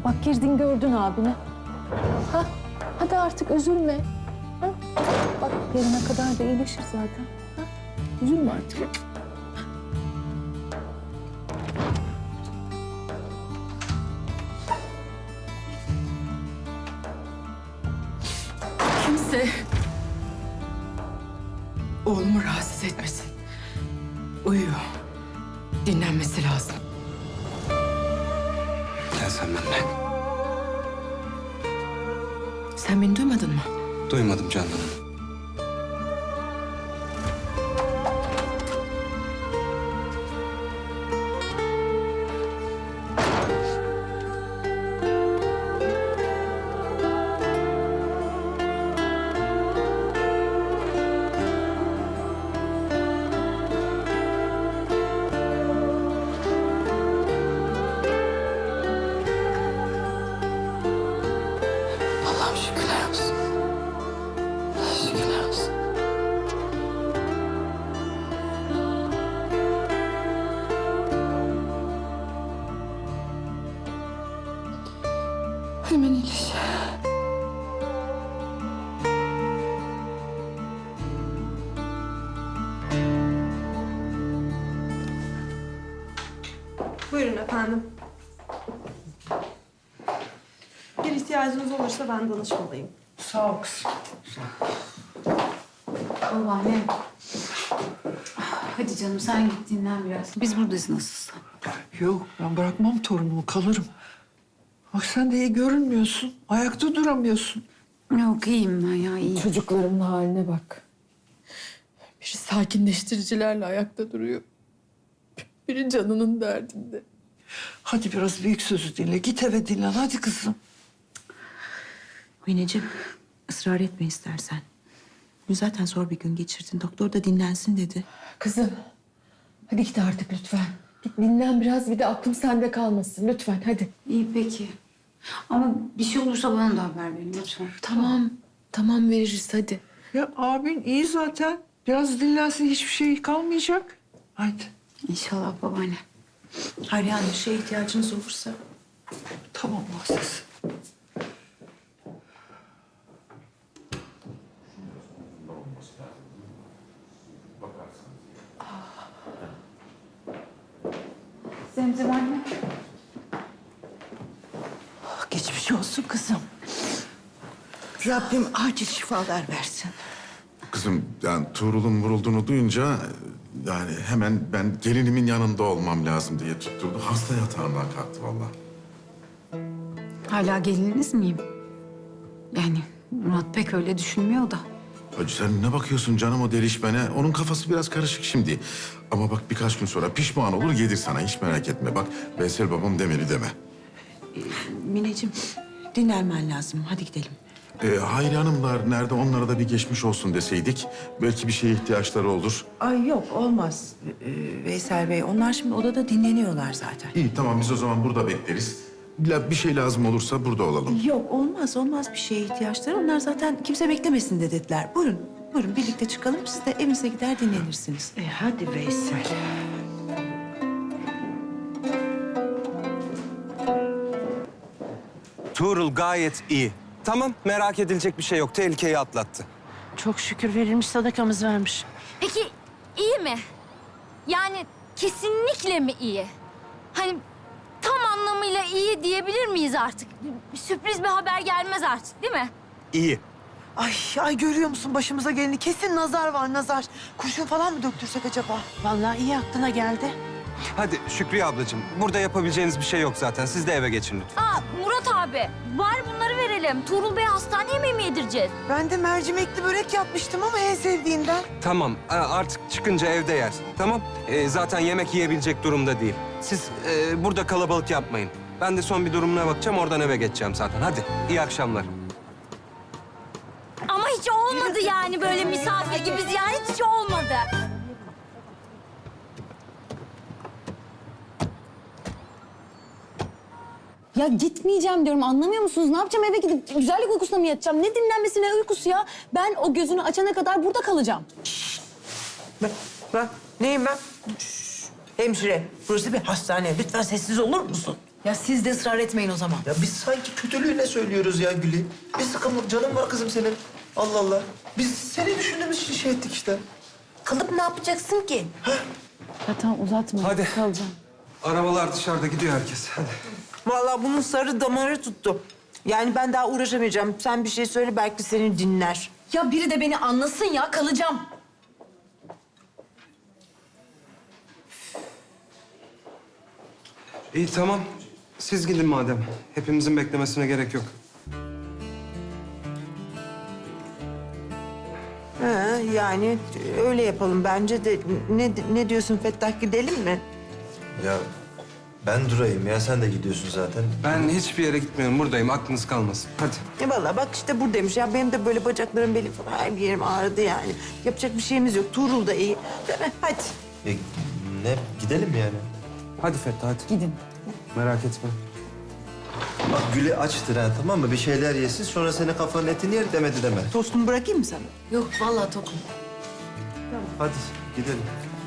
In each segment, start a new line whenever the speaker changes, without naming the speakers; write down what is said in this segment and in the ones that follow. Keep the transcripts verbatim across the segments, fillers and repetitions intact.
Bak girdin gördün abini. Ha? Hadi artık üzülme. Ha? Bak yarına kadar da iyileşir zaten. Ha? Üzülme artık.
Kimse oğlumu rahatsız etmesin. Uyuyor. Dinlenmesi lazım.
Gel sen benimle.
Sen beni duymadın mı?
Duymadım Candan Hanım.
Allah'ım şükürler olsun. Şükürler olsun. Hemen iyileş.
Buyurun efendim. Bir ihtiyacınız olursa ben danışmalıyım.
Sağ ol kızım.
Babaanne. Hadi canım sen git dinlen biraz. Biz buradayız nasılsa.
Yok, ben bırakmam torunumu, kalırım. Bak sen de iyi görünmüyorsun. Ayakta duramıyorsun.
Yok iyiyim ben ya iyiyim.
Çocuklarımın haline bak.
Biri sakinleştiricilerle ayakta duruyor. Biri canının derdinde.
Hadi biraz büyük sözü dinle. Git eve dinlen. Hadi kızım.
Mineciğim, ısrar etme istersen. Bugün zaten zor bir gün geçirdin. Doktor da dinlensin dedi.
Kızım hadi git artık lütfen. Git dinlen biraz bir de aklım sende kalmasın lütfen hadi.
İyi peki. Ama bir şey olursa bana da haber verin lütfen.
Tamam. Tamam veririz hadi.
Ya abin iyi zaten. Biraz dinlensin, hiçbir şey kalmayacak. Haydi.
İnşallah babaanne.
Hayır yani bir şeye ihtiyacınız olursa.
Tamam Muazzez.
Zemzem anne.
Geçmiş olsun kızım. Rabbim acil şifalar versin.
Kızım yani Tuğrul'un vurulduğunu duyunca yani hemen ben gelinimin yanında olmam lazım diye tutturdu. Hasta yatağından kalktı vallahi.
Hala gelininiz miyim? Yani Murat pek öyle düşünmüyor da.
Hacı sen ne bakıyorsun canım o delişmene? Onun kafası biraz karışık şimdi. Ama bak birkaç gün sonra pişman olur gelir sana hiç merak etme. Bak Veysel babam demeli deme.
Mineciğim, dinlenmen lazım. Hadi gidelim.
Ee, Hayri Hanımlar nerede onlara da bir geçmiş olsun deseydik. Belki bir şeye ihtiyaçları olur.
Ay yok, olmaz ee, Veysel Bey. Onlar şimdi odada dinleniyorlar zaten.
İyi tamam biz o zaman burada bekleriz. La- Bir şey lazım olursa burada olalım.
Yok, olmaz. Olmaz bir şeye ihtiyaçları. Onlar zaten kimse beklemesin de dediler. Buyurun, buyurun birlikte çıkalım. Siz de evinize gider dinlenirsiniz.
E hadi Veysel.
Tuğrul gayet iyi. Tamam, merak edilecek bir şey yok. Tehlikeyi atlattı.
Çok şükür verilmiş sadakamız vermiş.
Peki iyi mi? Yani kesinlikle mi iyi? Hani tam anlamıyla iyi diyebilir miyiz artık? Bir sürpriz bir haber gelmez artık değil mi?
İyi.
Ay, ay görüyor musun başımıza geleni? Kesin nazar var, nazar. Kurşun falan mı döktürsek acaba?
Vallahi iyi aklına geldi.
Hadi Şükriye ablacığım, burada yapabileceğiniz bir şey yok zaten. Siz de eve geçin lütfen.
Aa Murat abi var bunları verelim. Tuğrul Bey hastane yemeği mi yedireceğiz?
Ben de mercimekli börek yapmıştım ama en sevdiğinden.
Tamam, a- artık çıkınca evde yer. Tamam? Ee, zaten yemek yiyebilecek durumda değil. Siz e, burada kalabalık yapmayın. Ben de son bir durumuna bakacağım, oradan eve geçeceğim zaten. Hadi, iyi akşamlar.
Ama hiç olmadı yani böyle misafir gibi ziyaret hiç olmadı.
Ya gitmeyeceğim diyorum anlamıyor musunuz? Ne yapacağım eve gidip güzellik uykusuna mı yatacağım? Ne dinlenmesi ne uykusu ya? Ben o gözünü açana kadar burada kalacağım.
Ben, ben neyim ben? Şşş, hemşire, burası bir hastane. Lütfen sessiz olur musun?
Ya siz de ısrar etmeyin o zaman.
Ya biz sanki kötülüğüne söylüyoruz ya Gül'ü. Bir sıkımlık canım var kızım senin. Allah Allah. Biz seni düşündüğümüz için şey ettik işte.
Kalıp ne yapacaksın ki?
Ya tamam uzatma.
Hadi.
Kalacağım.
Arabalar dışarıda gidiyor herkes. Hadi.
Vallahi bunun sarı damarı tuttu. Yani ben daha uğraşamayacağım. Sen bir şey söyle belki seni dinler.
Ya biri de beni anlasın ya, kalacağım.
İyi tamam. Siz gidin madem. Hepimizin beklemesine gerek yok.
Ha, yani öyle yapalım bence de. Ne, ne diyorsun Fettah, gidelim mi?
Ya ben durayım ya. Sen de gidiyorsun zaten.
Ben hiçbir yere gitmiyorum. Buradayım. Aklınız kalmasın. Hadi.
E vallahi bak işte buradaymış ya. Benim de böyle bacaklarım, belim falan her bir yerim ağrıdı yani. Yapacak bir şeyimiz yok. Tuğrul da iyi. Değil mi? Hadi.
E, ne? Gidelim mi yani?
Hadi Fettah hadi. Gidin. Merak etme.
Bak Gül'ü açtır ha, tamam mı? Bir şeyler yesin, sonra senin kafanın etini yer demedi deme.
Tostumu bırakayım mı sana?
Yok vallahi tokum.
Hadi gidelim.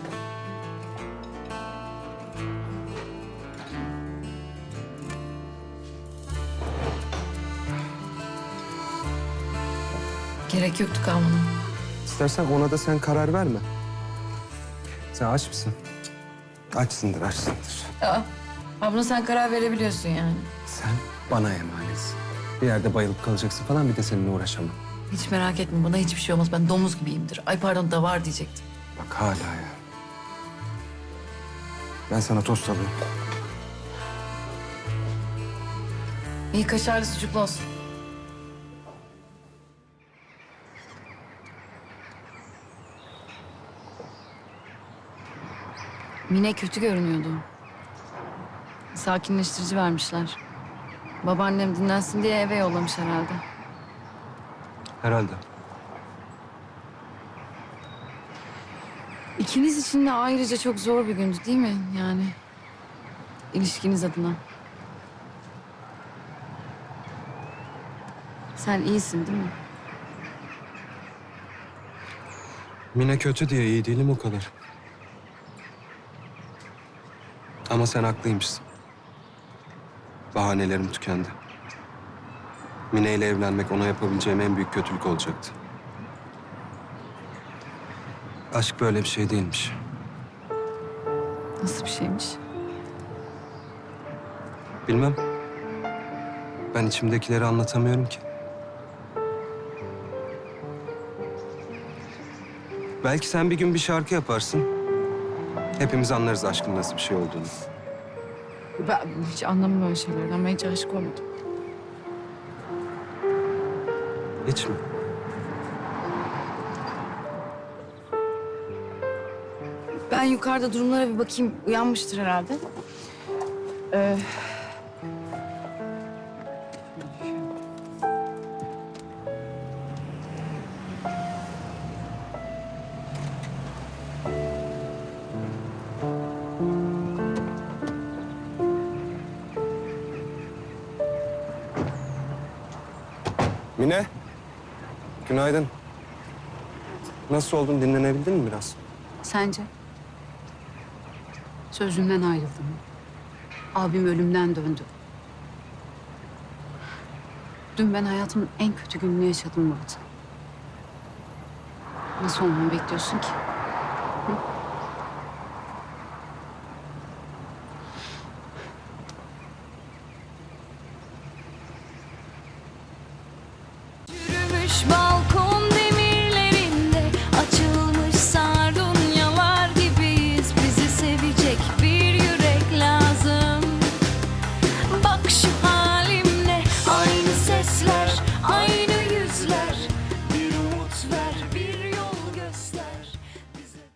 Gerek yoktu kalmana.
İstersen ona da sen karar verme. Sen aç mısın? Açsındır, açsındır.
Aa, abla sen karar verebiliyorsun yani.
Sen bana emanetsin. Bir yerde bayılıp kalacaksın falan, bir de seninle uğraşamam.
Hiç merak etme, bana hiçbir şey olmaz. Ben domuz gibiyimdir. Ay pardon, davar diyecektim.
Bak hala ya. Ben sana tost alayım.
İyi, kaşarlı sucuklu olsun. Mine kötü görünüyordu. Sakinleştirici vermişler. Babaannem dinlensin diye eve yollamış herhalde.
Herhalde.
İkiniz için de ayrıca çok zor bir gündü değil mi? Yani ilişkiniz adına. Sen iyisin değil mi?
Mine kötü diye iyi değilim o kadar. Ama sen haklıymışsın. Bahanelerim tükendi. Mine ile evlenmek ona yapabileceğim en büyük kötülük olacaktı. Aşk böyle bir şey değilmiş.
Nasıl bir şeymiş?
Bilmem. Ben içimdekileri anlatamıyorum ki. Belki sen bir gün bir şarkı yaparsın. Hepimiz anlarız aşkın nasıl bir şey olduğunu.
Ben hiç anlamam öyle şeylerden. Ben hiç aşık olmadım.
Hiç mi?
Ben yukarıda durumlara bir bakayım. Uyanmıştır herhalde. Ee...
Mine. Günaydın. Nasıl oldun? Dinlenebildin mi biraz?
Sence? Sözümden ayrıldım. Abim ölümden döndü. Dün ben hayatımın en kötü gününü yaşadım Murat. Nasıl olmamı bekliyorsun ki?
Yürümüş bal